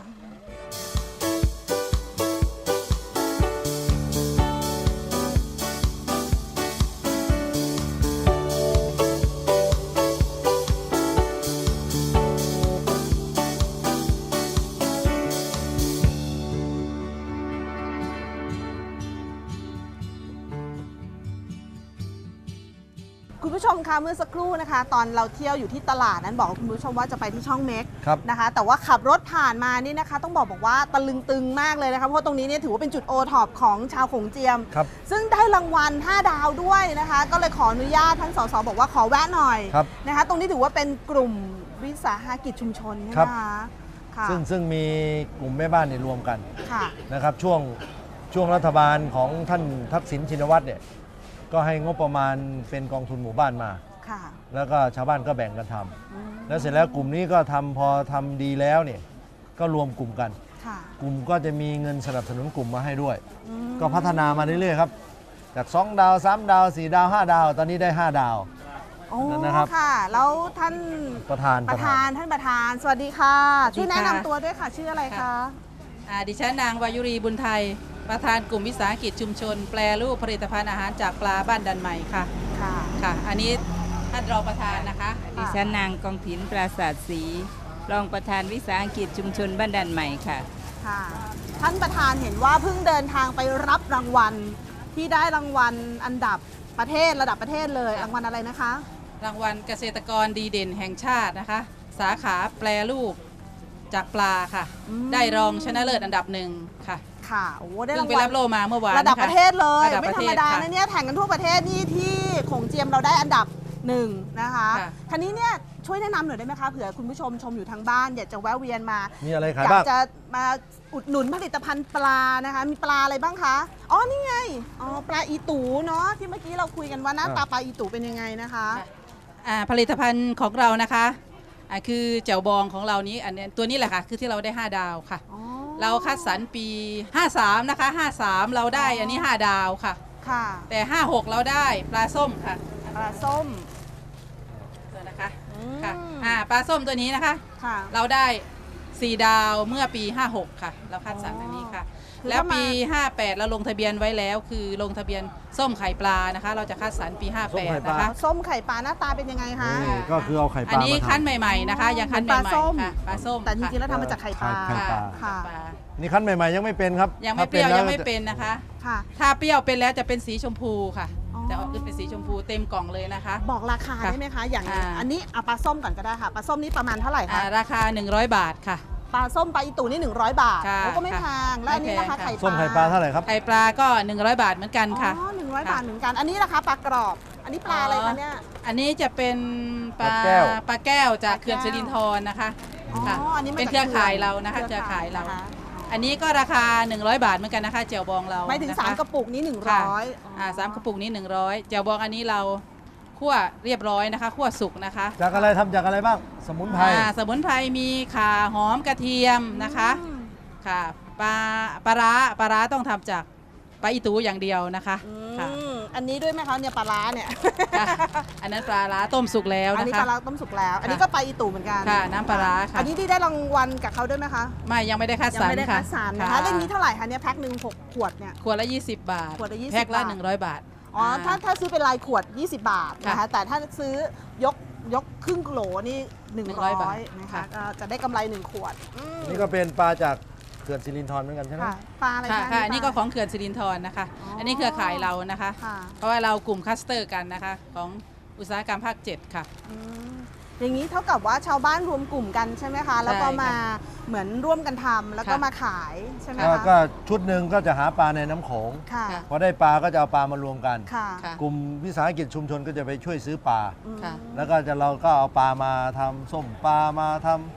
A: คุณผู้ชมคะเมื่อสักครู่นะคะ ตอนเราเที่ยวอยู่ที่ตลาดนั้นบอกคุณผู้ชมว่าจะไปที่ช่องเม็ก
B: ครับ
A: นะคะ แต่ว่าขับรถผ่านมานี่นะคะ ต้องบอกบอกว่าตะลึงตึงมากเลยนะคะเพราะตรงนี้เนี่ยถือว่าเป็นจุดโอท็อปของชาวโขงเจียม
B: ครับ
A: ซึ่งได้รางวัลห้าดาวด้วยนะคะ ก็เลยขออนุญาตท่านสสบอกว่าขอแวะหน่อย
B: ครับ
A: นะคะ ตรงนี้ถือว่าเป็นกลุ่มวิสาหกิจชุมชนใช่ไห
B: ครั
A: ม
B: บ
A: คะค่ะ
B: ซึ่งซึ่งมีกลุ่มแม่บ้านเนี่ยรวมกัน
A: ค่ะ
B: นะครับช่วงช่วงรัฐบาลของท่านทักษิณชินวัตรเนี่ยก็ให้งบประมาณเป็นกองทุนหมู่บ้านมา
A: ค่ะ
B: แล้วก็ชาวบ้านก็แบ่งกันทำ
A: อืม
B: แล้วเสร็จแล้วกลุ่มนี้ก็ทำพอทำดีแล้วเนี่ยก็รวมกลุ่มกัน
A: ค่ะ
B: กลุ่มก็จะมีเงินสนับสนุนกลุ่มมาให้ด้วย
A: อืม
B: ก็พัฒนามาเรื่อยๆครับจากสองดาวสามดาวสี่ดาวห้าดาว ตอนนี้ได้ห้าดาว
A: โอ้
B: นะครับ
A: ค่ะ แล้วท่าน
B: ประธาน
A: ประธานท่านประธาน สวัสดีค่ะ ช่วยแนะนำตัวด้วยค่ะชื่ออะไรคะ
D: อ่าดิฉันนางวายุรีบุญไทย ประธานกลุ่มวิสาหกิจชุมชน แปรรูปผลิตภัณฑ์อาหารจากปลาบ้านดันใหม่ค่ะ
A: ค่ะ
D: ค่ะ อันนี้ท่านรองประธานนะคะ
E: ดิฉันนางกองถินปราศาสตร์ศรีรองประธานวิสาหกิจชุมชนบ้านดันใหม่ค่ะ
A: ค่ะ ท่านประธานเห็นว่าเพิ่งเดินทางไปรับรางวัลที่ได้รางวัลอันดับประเทศระดับประเทศเลย รางวัลอะไรนะคะ
D: รางวัลเกษตรกรดีเด่นแห่งชาตินะคะ สาขาแปรรูปจากปลาค่ะ
A: อืม
D: ได้รองชนะเลิศอันดับหนึ่งค่ะ
A: ค่ะ โอ้ได้
D: เพิ่
A: ราง ง
D: ไป
A: วัล
D: รับโลมาเมื่อวาน
A: ระดับ
D: นค
A: ประเทศเลย
D: ระดับ
A: ไม่
D: ประ
A: ธร
D: เท
A: รม
D: ศ
A: ดา
D: ค่ะ
A: นะเนี่ยแข่งกันทั่วประเทศนี่ที่โขงเจียมเราได้อันดับหนึ่งนะคะ
D: ค่ะ
A: ทีนี้เนี่ยช่วยแนะนำหน่อยได้ไหมคะเผื่อคุณผู้ชมชมอยู่ทางบ้านอยากจะแวะเวียนมา
B: มีอะไร
A: อ
B: ขาย
A: ยาก
B: บ้าง
A: จะมาอุดหนุนผลิตภัณฑ์ปลานะคะ มีปลาอะไรบ้างคะ อ๋อ นี่ไง อ๋อ ปลาอีตูเนาะ ที่เมื่อกี้เราคุยกันว่าหน้าตาปลาอีตูเป็นยังไงนะคะ
D: อ่าผลิตภัณฑ์ของเรานะคะอ่าคือแจ่วบองของเรานี้อันเนี้ยตัวนี้แหละค่ะคือที่เราได้ห้าดาวค่ะ
A: อ๋อ
D: เราคัดสรรปี ห้าสาม นะคะ ห้าสาม เราได้อันนี้ ห้า ดาวค่ะ
A: ค่ะ
D: แต่ ห้าหก เราได้ปลาส้มค่ะ
A: ปลาส้ม
D: ตัวนะคะ
A: อืม
D: ค่ะอ่าปลาส้มตัวนี้นะคะ
A: ค่ะ
D: เราได้ สี่ ดาวเมื่อปี ห้าหก ค่ะ เราคัดสรรอันนี้ค่ะ
A: คือ
D: แล้ว
A: ถ้ามา
D: ปี ห้าแปด เราลงทะเบียนไว้แล้ว คือลงทะเบียนส้มไข่ปลานะคะ เราจะคัดสรรปี ห้า
B: ส้
D: แป
B: มไข่
D: ด
B: ปลา
D: นะคะ
A: ส้มไข่ปลาหน้าตาเป็นยังไงคะ
B: นี่ก็คือเอาไข่ป
D: อัน
B: ลา
D: นี้
B: มา
D: คั้น
B: ทำ
D: ใหม่ๆนะคะ ยังคั้น
A: เหมือน
D: ให
A: ปลาส้
D: ม่
A: ม
D: ๆค่ะปลาส้ม
A: แต่จริงๆแล้ว
D: ค่ะ
A: ทำมาจากไข่ปลา
B: ไข่ปลา
A: ค่ะ
D: ปลา
B: นี่คั้นใหม่ๆยังไม่เป็นครับ
D: ยังไม่
B: ถ้า
D: เปรี้ยว
B: แล้
D: ยังไม่
B: จะ
D: เป็นนะคะ
A: ค่ะ
D: ถ้าเปรี้ยวเป็นแล้วจะเป็นสีชมพูค่ะ
A: อ๋อ
D: จะออกขึ้นเป็นสีชมพูเต็มกล่องเลยนะคะ
A: บอกราคา
D: ค่ะ
A: ได้ไหมคะ อย่าง
D: อ่า
A: อันนี้เอาปลาส้มก่อนก็ได้ค่ะ ปลาส้มนี่ประมาณเท่าไหร่
D: อ่า
A: คะ
D: ราคา หนึ่งร้อย บาทค่ะ
A: ปลาส้มปลาอีตูนี่หนึ่งร้อยบาท
D: ค่ะ
A: โอ้ก็ไม่แพง แล้วอันนี้นะคะ
D: ไม่แพงค่ะ
A: ไข่ปลา
B: ส้มไข่ปลาเท่าไหร่ครับ
D: ไข่ปลาก็ หนึ่งร้อย บาทเหมือนกันค่ะ
A: อ๋อหนึ่งร้อย
D: ค่ะ
A: บาทเหมือนกัน อันนี้นะคะปลากรอบ อันนี้ปลาอะไรคะเนี่ย
D: อันนี้จะเป็นปลา
B: ปลาแก้ว
D: ปลาแก้วจาก
A: ปลาแก้ว
D: เขื่อนสิรินธรนะคะ
A: อ๋อ
D: ค่ะ
A: อันนี้มา
D: เป็น
A: จาก
D: เครือข่าย
A: ขื่น
D: เรานะคะเครือข่ายเรา
A: นะคะ
D: อันนี้ก็ราคา หนึ่งร้อย บาทเหมือนกันนะคะเจียวบองเรา
A: หมายถึง
D: นะคะ
A: สามกระปุกนี้หนึ่ง
D: ค่ะ
A: ร้อย
D: อ่าสามกระปุกนี้หนึ่งร้อยเจียวบองอันนี้เราคั่วเรียบร้อยนะคะคั่วสุกนะคะ
B: จากอะไรทำจากอะไรบ้าง สมุนไพร
D: อ่าสมุนไพรมีข่าหอมกระเทียมนะคะ
A: อืม
D: ค่ะปลาปลาร้าปลาร้าต้องทำจากปลาอีตูอย่างเดียวนะคะ
A: อื
D: ค่ะ
A: มอันนี้ด้วยไหมคะเนี่ยปลาร้าเนี่ย
D: ค่ะอันนั้นปลาร้าต้มสุกแล้ว
A: อัน
D: นะ
A: นี้
D: คะ
A: ปลาร้าต้มสุกแล้ว อันนี้
D: ค่ะ
A: ก็ปลาอีตูเหมือนกัน
D: ค่ะน้ำปลาร้าค่ะ
A: อันนี้ที่ได้รางวัลกับเขาด้วยไหมคะ
D: ไม่ยังไม่ได้คัด
A: ยั
D: สรร
A: ไม่ได้
D: ค่ะ
A: คัดสรรนะคะเรื่องนี้เท่าไหร่คะเนี่ยแพ็คหนึ่งหกขวดเนี่ย
D: ขวดละ ยี่สิบ บาท
A: ขวดละยี่สิบ
D: แพ็คละ
A: บาท
D: หนึ่งร้อย บาท
A: อ๋อถ้าถ้าซื้อเป็นรายขวด ยี่สิบบาทนะคะ
D: ค่ะ
A: แต่ถ้าซื้อยกยกครึ่งโหลนี่หนึ่ง
D: หนึ่งร้
A: ร้
D: อย
A: อย
D: บาท
A: นะคะ
D: ค่ะ
A: ก็จะได้กำไรหนึ่งขวดอืม
B: นี่ก็เป็นปลาจากเขื่อนสิรินธรเหมือนกันใช่ไหม
A: ค่ะปลาอะไร
D: ค่ะ
A: คะ
D: ค่ะอันนี้ก็
A: ปลา
D: ของเขื่อนสิรินธรนะคะ
A: อ๋ออั
D: อันนี้เครือข่ายเรานะคะ
A: ค่ะ
D: เพราะว่าเรากลุ่มคลัสเตอร์กันนะคะของอุตสาหกรรมภาคเจ็ดค่ะ
A: อืมอย่างนี้เท่ากับว่าชาวบ้านรวมกลุ่มกันใช่ไหมคะ แล้วก็
D: ใช่ค่ะ
A: มาเหมือนร่วมกันทำแล้วก็
D: ค่ะ
A: มาขายใช่ไหม
B: ก็
A: คะ
B: ก็ชุดหนึ่งก็จะหาปลาในน้ำโขง
A: ค่ะ
D: ค่ะ
B: พอได้ปลาก็จะเอาปลามารวมกัน
A: ค่ะ
D: ค่ะ
B: กลุ่มวิสาหกิจชุมชนก็จะไปช่วยซื้อปลา
A: อืม
D: ค่ะ
B: แล้วก็จะเราก็เอาปลามาทำส้มปลามาทำ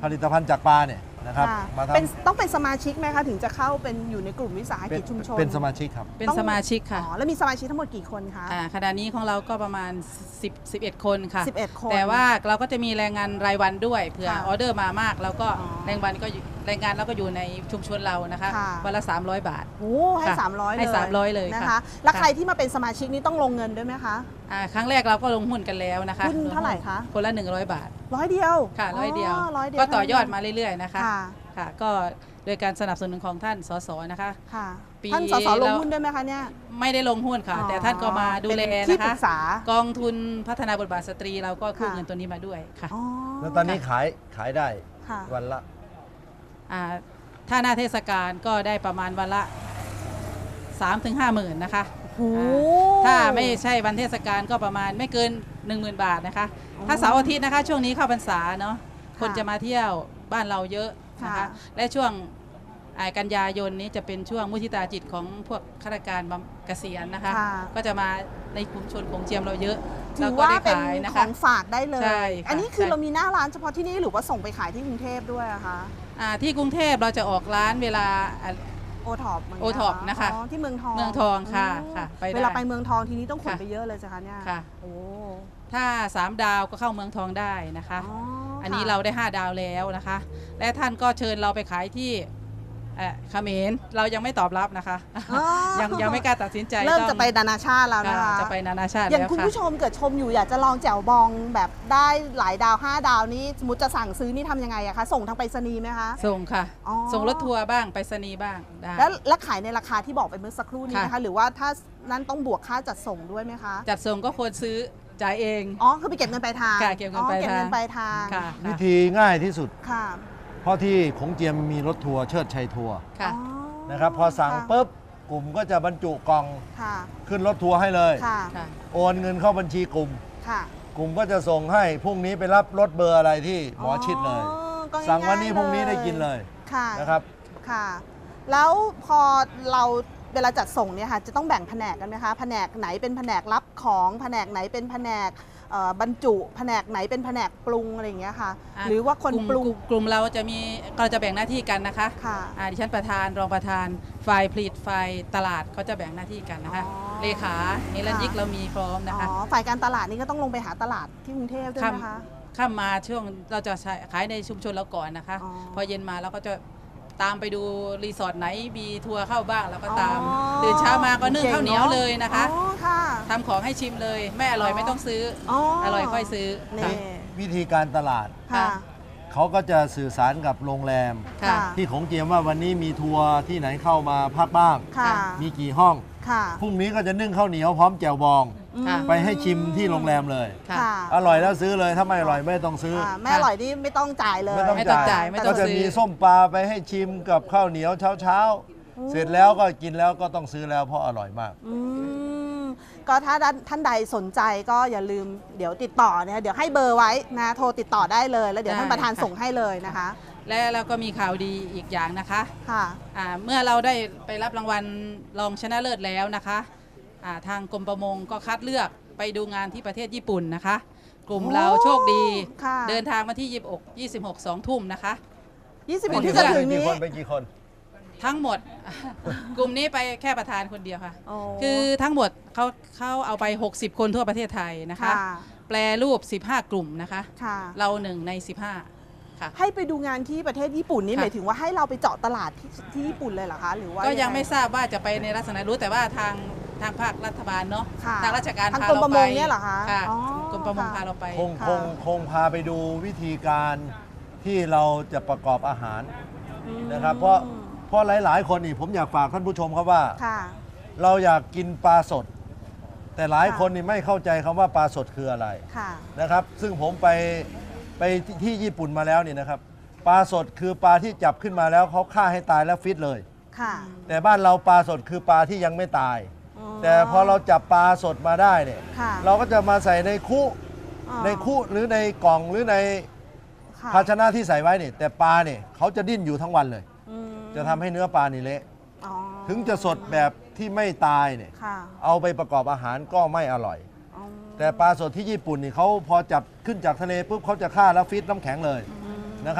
B: ผลิตภัณฑ์จากปลาเนี่ยนะครับ
A: ค่ะ
B: มา
A: เป็น
B: ทำ
A: ต้องเป็นสมาชิกไหมคะถึงจะเข้าเป็นอยู่ในกลุ่มวิสาห
B: เป็
A: กิ
B: น
A: จชุมชน
B: เป็นสมาชิกครับ
D: เป็น
A: ต้อง
D: สมาชิกค่ะ
A: อ๋อแล้วมีสมาชิกทั้งหมดกี่คนคะ
D: อ่าขณะนี้ของเราก็ประมาณสิบ สิบเอ็ดคนค่ะ
A: สิบเอ็ดคน
D: แต่ว่าเราก็จะมีแรงงานรายวันด้วยเผื่อ
A: ค่ะ
D: ออเดอร์มามากแล้วก็
A: อ๋อ
D: แรงวันก็อยู่แรงงานเราก็อยู่ในชุมชนเรานะคะ
A: ค่ะ
D: วันละสามร้อยบาท
A: โอ้ให้
D: ค่ะ
A: สามร้อยเลย
D: ให้สามร้อยเลย
A: นะ
D: ค่ะ
A: คะ แล้ว
D: ค่ะ
A: ใครที่มาเป็นสมาชิกนี่ต้องลงเงินด้วยไหมคะ
D: อ่าครั้งแรกเราก็ลงหุ้นกันแล้วนะคะ
A: หุ้นเท่าไหร่คะ
D: คนละหนึ่งร้อยบาท
A: ร้อยเดียว
D: ค่ะร้อยเดียว
A: ร้อยเดียว
D: ก็ต่อยอดมาเรื่อยๆนะคะ
A: ค่ะ
D: ค่ะก็โดยการสนับสนุนของท่านสสนะคะ
A: ค่ะ
D: ปี
A: ท่านสสลง
D: แล้ว
A: หุ้นด้วยไหมคะเนี่ย
D: ไม่ได้ลงหุ้นค่ะ
A: อ๋อ
D: แต่ท่านก็มาดูแล
A: เป็นที่
D: นะ
A: ปรึ
D: คะ
A: กษาก
D: องทุนพัฒนาบทบาทสตรีเราก็กู้
A: ค่ะ
D: เงินตัวนี้มาด้วยค่ะ
A: อ๋อ
B: แล้วตอนนี้ขายขายได้
A: ค่ะ
B: วันละ
D: อ่าถ้าหน้าเทศกาลก็ได้ประมาณวันละสามถึงห้าหมื่นนะคะ
A: โอ้โห
D: อ่าถ้าไม่ใช่วันเทศกาลก็ประมาณไม่เกิน หนึ่งหมื่น บาทนะคะ
A: อ๋อ
D: ถ้าเสาร์อาทิตย์นะคะ ช่วงนี้เข้าพรรษาเนาะ
A: ค่ะ
D: คนจะมาเที่ยวบ้านเราเยอะนะ
A: ค่ะ
D: คะและช่วงอ่ากันยายนนี้จะเป็นช่วงมุทิตาจิตของพวกข้าราชการบำเกษียณนะคะ
A: ค่ะ
D: ก็จะมาในกลุ่มชนของเจียมเราเยอะ
A: ถื
D: เรา
A: อ
D: ก็
A: ว่า
D: ได้
A: เป็น
D: ขายนะ
A: ข
D: คะ
A: องฝากได้เลย
D: ใช่ค่ะ
A: อันนี้คือ
D: ใช่
A: เรามีหน้าร้านเฉพาะที่นี่หรือว่าส่งไปขายที่กรุงเทพด้วยอะคะ
D: อ่าที่กรุงเทพเราจะออกร้านเวลาอ่า
A: โอท็อป
D: โอท็อปนะคะ
A: อ๋อที่เมืองทอง
D: เมืองทองค่ะ
A: อ๋อ
D: ค่ะไปได้
A: เวลาไปเมืองทองทีนี้ต้องขน
D: ค่ะ
A: ไปเยอะเลยสิคะเนี่ย
D: ค่ะ
A: โอ้
D: ถ้าสามดาวก็เข้าเมืองทองได้นะคะ
A: อ๋อ
D: อันนี้
A: ค่ะ
D: เราได้ห้าดาวแล้วนะคะ และท่านก็เชิญเราไปขายที่เอ่อเขมรเรายังไม่ตอบรับนะคะ
A: อ๋อ
D: ยังยังไม่กล้าตัดสินใจ
A: เริ่ม
D: ต้อง
A: จะไปนานาชาติแล้วนะ
D: ค่ะ
A: คะ
D: จะไปนานาชาติ
A: อย่าง
D: แล้ว
A: คุณ
D: ค่ะ
A: ผู้ชมเกิดชมอยู่อยากจะลองแจ่วบองแบบได้หลายดาวห้าดาวนี้สมมติจะสั่งซื้อนี่ทำยังไงอะคะส่งทางไปรษณีย์ไหมคะ
D: ส่งค่ะ
A: อ๋อ
D: ส่งรถทัวร์บ้างไปรษณีย์บ้างได้
A: แล้วแล้วขายในราคาที่บอกไปเมื่อสักครู่นี้ไหม
D: ค่ะ
A: คะหรือว่าถ้านั้นต้องบวกค่าจัดส่งด้วยไหมคะ
D: จัดส่งก็ควรซื้อจ่ายเอง
A: อ๋อคือไปเก็บเงินปลายทาง
D: ค่ะเก็บเงินปลาย
A: อ๋อเก็บเงิน
D: ทาง
A: ปลายทาง
D: ค่ะ
B: วิธีง่ายที่สุด
A: ค่ะ
B: เพราะที่ของเจียมมีรถทัวร์เชิดชัยทัวร์
D: ค่ะ
A: อ๋อ
B: นะครับพอสั่ง
A: ค่ะ
B: ปุ๊บกลุ่มก็จะบรรจุกล่อง
A: ค่ะ
B: ขึ้นรถทัวร์ให้เลย
A: ค่ะ
D: ค่ะ
B: โอนเงินเข้าบัญชีกลุ่ม
A: ค่ะ
B: กลุ่มก็จะส่งให้พรุ่งนี้ไปรับรถเบอร์อะไรที่หมอชิดเลย
A: อ๋อก็
B: สั่งวันนี้
A: ง่ายๆ
B: พรุ่งนี้ได้กินเลย
A: ค่ะ
B: นะครับ
A: ค่ะ แล้วพอเราเวลาจัดส่งเนี่ยค่ะจะต้องแบ่งแผนกกันไหมคะแผนกไหนเป็นแผนกรับของแผนกไหนเป็นแผนกเอ่อบรรจุแผนกไหนเป็นแผนกปรุงอะไรอย่างเงี้ยค่ะ
D: อ่ะ
A: หรือว่าคน
D: กลุ่ม
A: ปรุง
D: กลุ่มกลุ่มเราจะมีเราจะแบ่งหน้าที่กันนะคะ
A: ค่ะ
D: อ่าดิฉันประธานรองประธานฝ่ายผลิตฝ่ายตลาดเขาจะแบ่งหน้าที่กันนะคะ
A: อ๋อ
D: เลขาเฮลันยิกเรามีพร้อมนะคะ
A: อ๋อฝ่ายการตลาดนี่ก็ต้องลงไปหาตลาดที่กรุงเทพด้วยนะคะ
D: ข้ามมาช่วงเราจะใช้ขายในชุมชนเราก่อนนะคะ
A: อ๋อ
D: พอเย็นมาเราก็จะตามไปดูรีสอร์ทไหนมีทัวร์เข้าบ้างเราก็ตาม
A: อ๋อ
D: ตื่นเช้ามาก็นึ่ง
A: เก่ง
D: ข้าวเหนียว
A: เนอะ
D: เลยนะคะ
A: อ๋อค่ะ
D: ทำของให้ชิมเลยไม่อร่อย
A: อ๋อ
D: ไม่ต้องซื้อ
A: อ๋อ
D: อ
A: อ
D: ร่อยค่อยซื้อ
A: นี่
D: ค่ะ
B: วิธีการตลาด
A: ค่ะ
B: เขาก็จะสื่อสารกับโรงแรม
D: ค่ะ
B: ที่ของเจียมว่าวันนี้มีทัวร์ที่ไหนเข้ามาพักบ้าง
A: ค่ะ
B: มีกี่ห้อง
A: ค่ะ
B: พรุ่งนี้ก็จะนึ่งข้าวเหนียวพร้อมแจ่วบอง
D: ค่ะ
B: ไปให้ชิมที่โรงแรมเลย
D: ค่ะ
A: ค่ะ
B: อร่อยแล้วซื้อเลยถ้าไม่อร่อยไม่ต้องซื้ออ
A: อ่าไม่อร่อยนี่ไม่ต้องจ่ายเลย
B: ไม่ต้อง
D: ไม่ต้อง
B: จ่า
D: จ่าย ยไม่ต้
B: ก็
D: อง
B: จะ
D: ซื้อ
B: มีส้มปลาไปให้ชิมกับข้าวเหนียวเช้าเช้าๆเสร็จแล้วก็กินแล้วก็ต้องซื้อแล้วเพราะอร่อยมาก
A: อืมก็ถ้าท่านใดสนใจก็อย่าลืมเดี๋ยวติดต่อนะคะเดี๋ยวให้เบอร์ไว้นะโทรติดต่อได้เลย แล้วเดี๋ยว
D: ได้
A: ท่านประธาน
D: ค่ะ
A: ส่งให้เลยนะคะ
D: และเราก็มีข่าวดีอีกอย่างนะคะ
A: ค่ะ
D: อ่าเมื่อเราได้ไปรับรางวัลรองชนะเลิศแล้วนะคะอ่าทางกรมประมงก็คัดเลือกไปดูงานที่ประเทศญี่ปุ่นนะคะ กลุ่มเราโชคดี
A: ค่ะ
D: เดินทางมาที่ยี่สิบหก ยี่สิบหก สองทุ่มนะคะ
A: ยี่สิบ
D: เป็
A: หก
D: น
A: ที่จะถึง
B: กี่
A: นี้
B: คนไปกี่คน
D: ทั้งหมด กลุ่มนี้ไปแค่ประธานคนเดียวค่ะ
A: โอ้
D: คือทั้งหมดเขาเขาเอาไป หกสิบ คนทั่วประเทศไทยนะคะ
A: ค่ะ
D: แปลรูป สิบห้า กลุ่มนะคะ
A: ค่ะ
D: เราหนึ่งใน สิบห้า ค่ะ
A: ให้ไปดูงานที่ประเทศญี่ปุ่นนี่
D: ค่ะ
A: หมายถึงว่าให้เราไปเจาะตลาดที่ที่ญี่ปุ่นเลยเหรอคะ หรือว่า
D: ก็ยัง
A: ไ
D: ไม่ทราบว่าจะไปในลักษณะรู้แต่ว่าทางทางภาครัฐบาลเนาะ
A: ค่ะ
D: ทางราชการ
A: ทาง
D: พาก
A: รม
D: เรา
A: ประ
D: ไป
A: มงเนี่ยเหรอคะ
D: ค่ะ
A: อ๋อก
D: รมประมง
A: ค่ะ
D: พาเราไป
B: คง
A: ค่ะ
B: คงคงพาไปดูวิธีการที่เราจะประกอบอาหาร
A: อืม
B: นะครับ เพราะเพราะหลาย ๆ คนนี่ผมอยากฝากท่านผู้ชมครับว่า
A: ค่ะ
B: เราอยากกินปลาสด แต่หลาย
A: ค่ะ
B: คนนี่ไม่เข้าใจคำว่าปลาสดคืออะไร
A: ค่ะ
B: นะครับ ซึ่งผมไปไปที่ที่ญี่ปุ่นมาแล้วนี่นะครับ ปลาสดคือปลาที่จับขึ้นมาแล้วเขาฆ่าให้ตายแล้วฟิตเลย
A: ค่ะ
B: แต่บ้านเราปลาสดคือปลาที่ยังไม่ตาย แต่พอเราจับปลาสดมาได้เนี่ย
A: ค่ะ
B: เราก็จะมาใส่ในคุ
A: อ๋อ
B: ในคุหรือในกล่องหรือใน
A: ค่ะ
B: ภาชนะที่ใส่ไว้เนี่ยแต่ปลาเนี่ยเขาจะดิ้นอยู่ทั้งวันเลย
A: อืม
B: จะทำให้เนื้อปลานี่เละ
A: อ๋อ
B: ถึงจะสดแบบที่ไม่ตายเนี่ย
A: ค่ะ
B: เอาไปประกอบอาหารก็ไม่อร่อย
A: อ๋อ
B: แต่ปลาสดที่ญี่ปุ่นนี่เขาพอจับขึ้นจากทะเลปุ๊บเขาจะฆ่าแล้วฟิตน้ำแข็งเลยนะครับ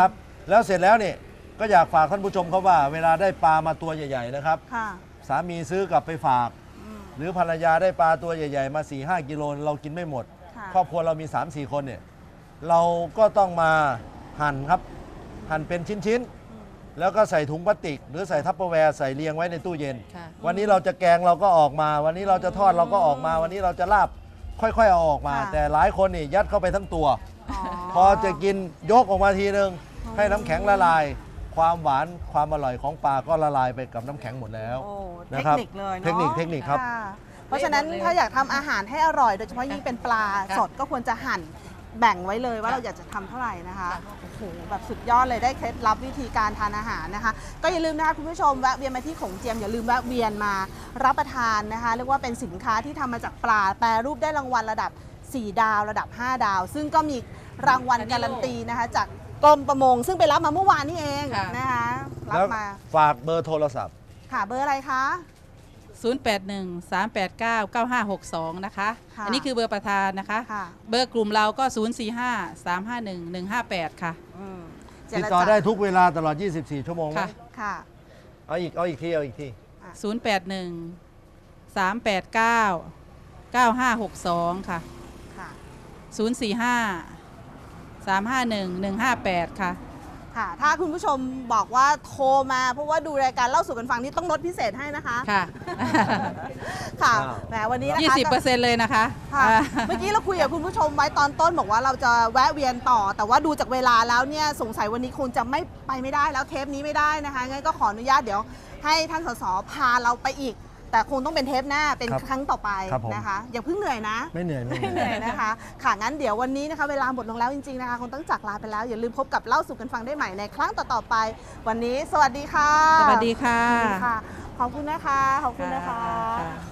B: แล้วเสร็จแล้วเนี่ยก็อยากฝากท่านผู้ชมเขาว่า เวลาได้ปลามาตัวใหญ่ๆนะครับ
A: ค่ะ
B: สามีซื้อกลับไปฝาก หรือภรรยาได้ปลาตัวใหญ่ๆ มา สี่ห้า กิโลเรากินไม่หมด
A: ค่ะ
B: ครอบครัวเรามี สามสี่ คนเนี่ยเราก็ต้องมาหั่นครับ หั่นเป็นชิ้นๆ แล้วก็ใส่ถุงพลาสติก หรือใส่ทัพเปอร์แวร์ใส่เรียงไว้ในตู้เย็น
D: ค่ะ
B: วันนี้เราจะแกงเราก็ออกมา วันนี้เราจะทอดเราก็ออกมา วันนี้เราจะลาบค่อยๆเอาออกมา
A: ค่ะ
B: แต่หลายคนนี่ยัดเข้าไปทั้งตัว พอจะกินยกออกมาทีนึงให้น้ำแข็งละลาย ความหวานความอร่อยของปลาก็ละลายไปกับน้ำแข็งหมดแล้ว
A: โอ้เท
B: นะ
A: ค
B: ครับ
A: นิคเลยเนาะ
B: เทคนิคเทคนิคครับ
A: ะเพราะฉะนั้นถ้าอยากทำอาหารให้อร่อย โดยเฉพาะยิ่งเป็นปลาสดก็ควรจะหั่นแบ่งไว้เลยว่าเราอยากจะทำเท่าไหร่นะคะโอ้โหแบบสุดยอดเลยได้เคล็ดลับวิธีการทานอาหารนะคะ ก็อย่าลืมนะคะคุณผู้ชมแวะเวียนมาที่โขงเจียมอย่าลืมแวะเวียนมารับประทานนะคะเรียกว่าเป็นสินค้าที่ทำมาจากปลาแปรรูปได้รางวัลระดับสี่ดาวระดับห้าดาว ซึ่งก็มีรางวัลการันตีนะคะจากกรมประมง ซึ่งไปรับมาเมื่อวานนี้เอง
D: ค่ะ
A: นะคะรั
B: แล้
A: บ
B: ว
A: มา
B: ฝากเบอร์โทรศัพท์
A: ค่ะเบอร์อะไรคะ
D: ศูนย์ แปด หนึ่ง สาม แปด เก้า เก้า ห้า หก สอง นะคะ
A: ค่ะ
D: อันนี้คือเบอร์ประธานนะคะ
A: ค่ะ
D: เบอร์กลุ่มเราก็ ศูนย์ สี่ ห้า สาม ห้า หนึ่ง หนึ่ง ห้า แปด ค่ะ
A: อืมเจ
B: ติด
A: ร
B: ต่อ
A: จา
B: ได้ทุกเวลาตลอด ยี่สิบสี่ ชั่วโมงไหม
D: ค่ะ
A: ค่ะ
B: เอาอีกเอาอีกทีเอาอีกที
D: ศูนย์ แปด หนึ่ง สาม แปด เก้า เก้า ห้า หก สอง ค่ะ
A: ค่ะ
D: ศูนย์ สี่ ห้า สาม ห้า หนึ่ง หนึ่ง ห้า แปด ค่ะ
A: ค่ะ ถ้าคุณผู้ชมบอกว่าโทรมาเพราะว่าดูรายการเล่าสู่กันฟังนี่ต้องลดพิเศษให้นะคะ
D: ค่ะ
A: ค่ะ
B: อ้าว
A: แหมวันนี้นะคะ
D: ยี่สิบเปอร์เซ็นต์ เลยนะคะ
A: ค่ะ
D: อ่า
A: เมื่อกี้เราคุยกับคุณผู้ชมไว้ตอนต้นบอกว่าเราจะแวะเวียนต่อ แต่ว่าดูจากเวลาแล้วเนี่ยสงสัยวันนี้คงจะไม่ไปไม่ได้แล้วเทปนี้ไม่ได้นะคะงั้นก็ขออนุญาตเดี๋ยวให้ท่านสสพาเราไปอีก แต่คงต้องเป็นเทปหน้าเป็น
B: ครับ
A: ครั้งต่อไป
B: ครับผม
A: นะคะอย่าเพิ่งเหนื่อยนะ
B: ไม่เหนื่อยไม่เห
A: ไม่เห
B: นื่
A: นื่
B: อ
A: อย ยนะคะ ค่ะ งั้นเดี๋ยววันนี้นะคะเวลาหมดลงแล้วจริงๆนะคะคงต้องจากลาไปแล้ว อย่าลืมพบกับเล่าสู่กันฟังได้ใหม่ในครั้งต่อๆไป วันนี้สวัสดีค่ะ
D: สวัสดีค่ะ
A: สวัสดีค่ะ ขอบคุณนะคะ ขอบคุณนะคะ
D: ค่ะ